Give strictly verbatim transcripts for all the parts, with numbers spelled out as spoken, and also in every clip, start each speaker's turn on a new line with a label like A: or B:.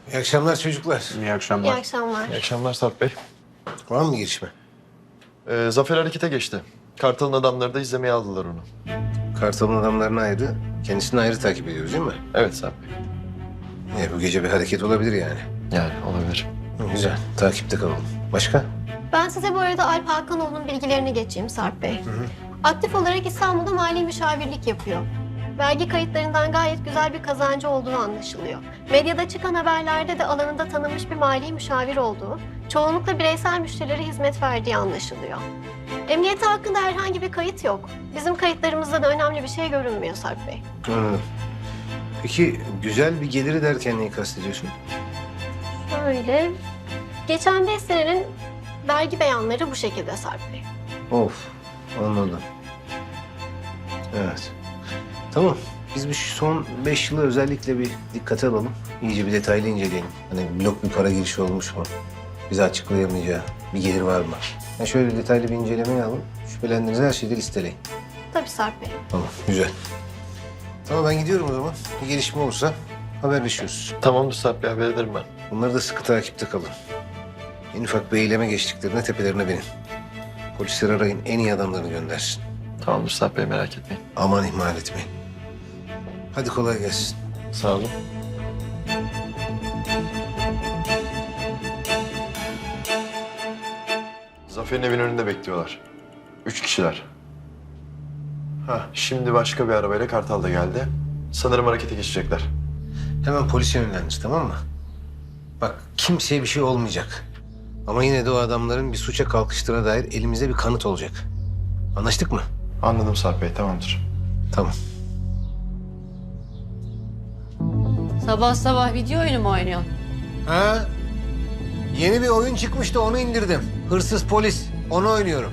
A: İyi akşamlar çocuklar.
B: İyi
C: İyi
B: akşamlar.
C: akşamlar.
D: İyi akşamlar Sarp Bey.
A: Var mı gelişme?
D: Ee, Zafer harekete geçti. Kartal'ın adamları da izlemeye aldılar onu.
A: Kartal'ın adamlarını ayrı, kendisini ayrı takip ediyoruz değil mi?
D: Evet Sarp Bey.
A: E, bu gece bir hareket olabilir yani.
D: Yani olabilir.
A: Hı, güzel, takipte kalalım. Başka?
C: Ben size bu arada Alp Hakanoğlu'nun bilgilerini geçeyim Sarp Bey. Aktif olarak İstanbul'da mali müşavirlik yapıyor. Vergi kayıtlarından gayet güzel bir kazancı olduğu anlaşılıyor. Medyada çıkan haberlerde de alanında tanınmış bir mali müşavir olduğu, çoğunlukla bireysel müşterilere hizmet verdiği anlaşılıyor. Emniyeti hakkında herhangi bir kayıt yok. Bizim kayıtlarımızda da önemli bir şey görünmüyor Sarp Bey.
A: Anladım. Peki güzel bir geliri derken neyi kastediyorsun?
C: Şöyle, geçen beş senenin vergi beyanları bu şekilde Sarp Bey.
A: Of, anladım. Evet. Tamam, biz bir şu son beş yılı özellikle bir dikkate alalım. İyice bir detaylı inceleyelim. Hani blok bir para girişi olmuş mu? Bize açıklayamayacağı bir gelir var mı? Yani şöyle detaylı bir incelemeye alın. Şüphelendiğiniz her şeyi de listeleyin.
C: Tabii Sarp Bey.
A: Tamam, güzel. Tamam, ben gidiyorum o zaman. Bir gelişme olursa haberleşiyoruz.
D: Tamamdır Sarp Bey, haber ederim ben.
A: Bunları da sıkı takipte kalın. En ufak bir eyleme geçtiklerinde tepelerine binin. Polisleri arayın, en iyi adamlarını göndersin.
D: Tamamdır Sarp Bey, merak etmeyin.
A: Aman ihmal etmeyin. Hadi kolay gelsin.
D: Sağ olun. Zafer'in evin önünde bekliyorlar. Üç kişiler. Ha, şimdi başka bir arabayla Kartal da geldi. Sanırım harekete geçecekler.
A: Hemen polise yönlendir, tamam mı? Bak, kimseye bir şey olmayacak. Ama yine de o adamların bir suça kalkıştığına dair elimizde bir kanıt olacak. Anlaştık mı?
D: Anladım Sarp Bey, tamamdır.
A: Tamam.
E: Sabah sabah video oyunu mu oynuyorsun?
A: Ha? Yeni bir oyun çıkmıştı, onu indirdim. Hırsız polis, onu oynuyorum.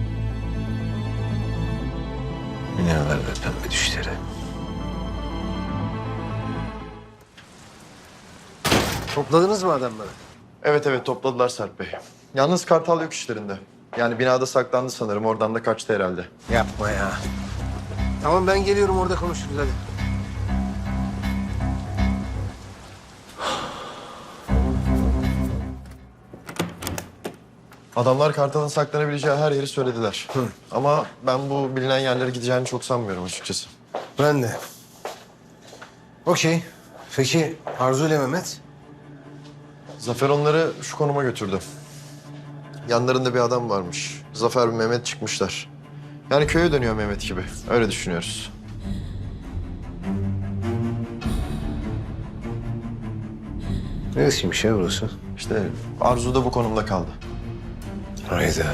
A: Ne var be pembe düşleri? Topladınız mı adamları?
D: Evet evet, topladılar Sarp Bey. Yalnız Kartal yok işlerinde. Yani binada saklandı sanırım, oradan da kaçtı herhalde.
A: Yapma ya. Tamam, ben geliyorum, orada konuşuruz hadi.
D: Adamlar Kartal'ın saklanabileceği her yeri söylediler. Ama ben bu bilinen yerlere gideceğini çok sanmıyorum açıkçası.
A: Ben de. Okey. Peki Arzu ile Mehmet?
D: Zafer onları şu konuma götürdü. Yanlarında bir adam varmış. Zafer ve Mehmet çıkmışlar. Yani köye dönüyor Mehmet gibi. Öyle düşünüyoruz.
A: Neresiymiş ya burası?
D: İşte Arzu da bu konumda kaldı.
A: Hayda.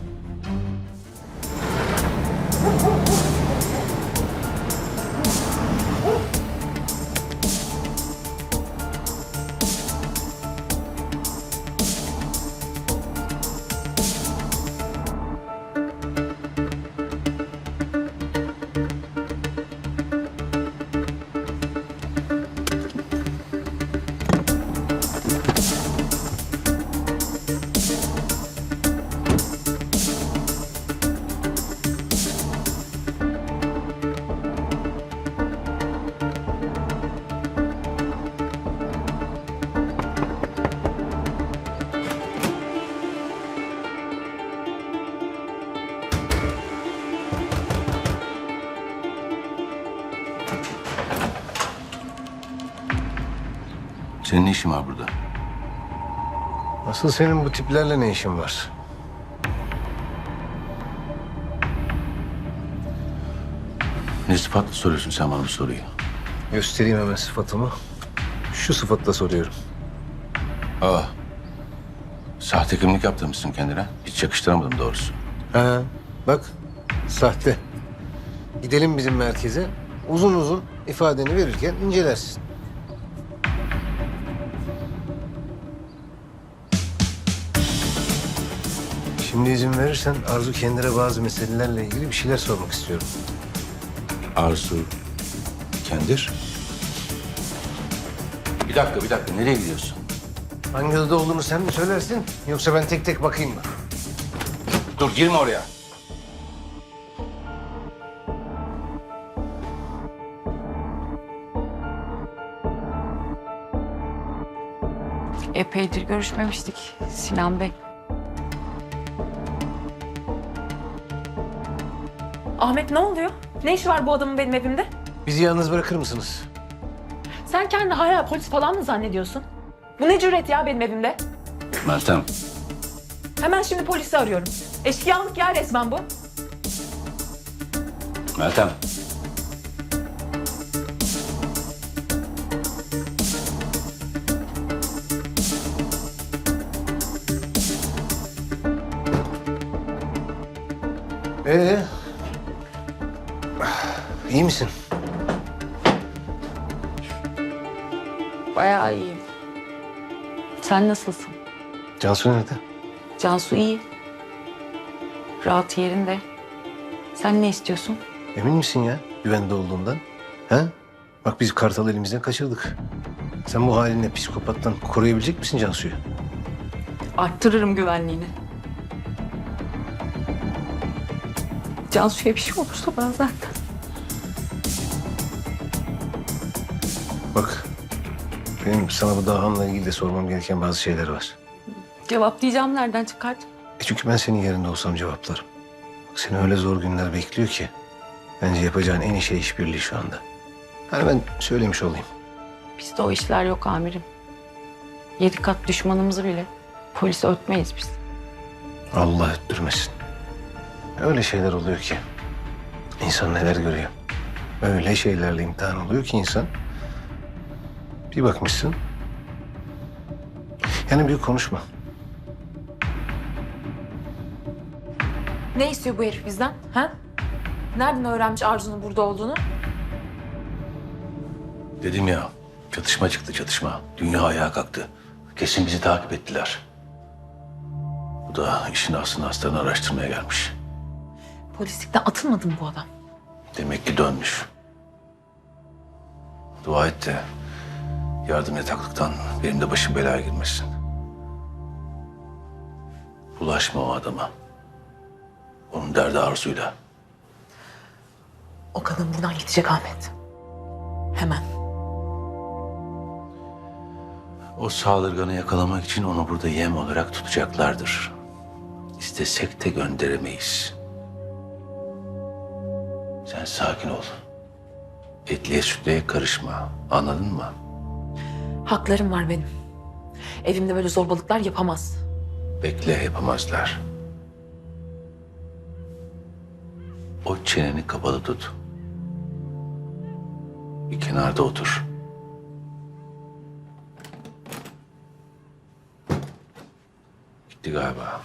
F: Senin ne işin var burada?
A: Asıl senin bu tiplerle ne işin var?
F: Ne sıfatla soruyorsun sen bana bu soruyu?
A: Göstereyim hemen sıfatımı. Şu sıfatla soruyorum.
F: Aa, sahte kimlik yaptırmışsın kendine. Hiç yakıştıramadım doğrusu.
A: Ha, bak sahte. Gidelim bizim merkeze. Uzun uzun ifadeni verirken incelersin. Şimdi izin verirsen Arzu kendine bazı meselelerle ilgili bir şeyler sormak istiyorum.
F: Arzu, Kendir. Bir dakika, bir dakika. Nereye gidiyorsun?
A: Hangi odada olduğunu sen mi söylersin yoksa ben tek tek bakayım mı?
F: Dur, girme oraya.
B: Epeydir görüşmemiştik Sinan Bey.
G: Ahmet ne oluyor? Ne işi var bu adamın benim evimde?
A: Bizi yalnız bırakır mısınız?
G: Sen kendini hala polis falan mı zannediyorsun? Bu ne cüret ya benim evimde?
F: Meltem,
G: Hemen şimdi polisi arıyorum. Eşkıyalık ya resmen bu.
F: Meltem.
A: Ee? İyi misin?
B: Bayağı iyiyim. Sen nasılsın?
A: Cansu nerede?
B: Cansu iyi. Rahat yerinde. Sen ne istiyorsun?
A: Emin misin ya güvende olduğundan? Ha? Bak biz Kartal'ı elimizden kaçırdık. Sen bu halinle psikopattan koruyabilecek misin Cansu'yu?
B: Arttırırım güvenliğini. Cansu'ya bir şey olursa ben zaten.
A: Bak benim sana bu dahanla ilgili de sormam gereken bazı şeyler var.
B: Cevaplayacağım nereden çıkart?
A: E çünkü ben senin yerinde olsam cevaplarım. Bak, seni öyle zor günler bekliyor ki. Bence yapacağın en iyi şey işbirliği şu anda. Hani ben söylemiş olayım.
B: Bizde o işler yok amirim. Yedi kat düşmanımızı bile polise ötmeyiz biz.
A: Allah öttürmesin. Öyle şeyler oluyor ki. İnsan neler görüyor. Öyle şeylerle imtihan oluyor ki insan. Bir bakmışsın. Yani büyük konuşma.
G: Ne istiyor bu herif bizden? Ha? Nereden öğrenmiş Arzu'nun burada olduğunu?
F: Dedim ya, çatışma çıktı çatışma. Dünya ayağa kalktı. Kesin bizi takip ettiler. Bu da işin aslını astarını araştırmaya gelmiş.
G: Polislikten atılmadı mı bu adam?
F: Demek ki dönmüş. Dua et de yardım yataklıktan benim de başım belaya girmesin. Bulaşma o adama. Onun derdi Arzu'yla.
G: O kadın buradan gidecek Ahmet. Hemen.
F: O saldırganı yakalamak için onu burada yem olarak tutacaklardır. İstesek de gönderemeyiz. Sen sakin ol. Etliye sütlüye karışma. Anladın mı?
G: Haklarım var benim. Evimde böyle zorbalıklar yapamaz.
F: Bekle, yapamazlar. O çeneni kapalı tut. Bir kenarda otur. Gitti galiba.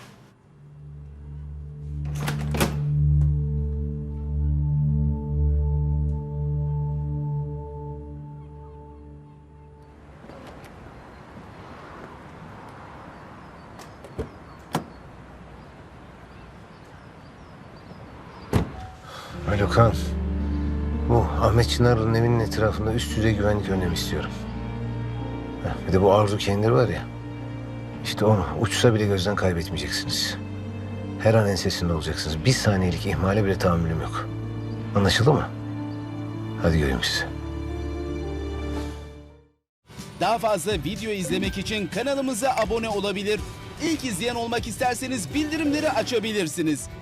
A: Alo Kaan. Bu Ahmet Çınar'ın evinin etrafında üst düzey güvenlik önlemi istiyorum. Heh, bir de bu Arzu Kendir var ya. İşte onu uçsa bile gözden kaybetmeyeceksiniz. Her an ensesinde olacaksınız. Bir saniyelik ihmale bile tahammülüm yok. Anlaşıldı mı? Hadi göreyim sizi.
H: Daha fazla video izlemek için kanalımıza abone olabilir. İlk izleyen olmak isterseniz bildirimleri açabilirsiniz.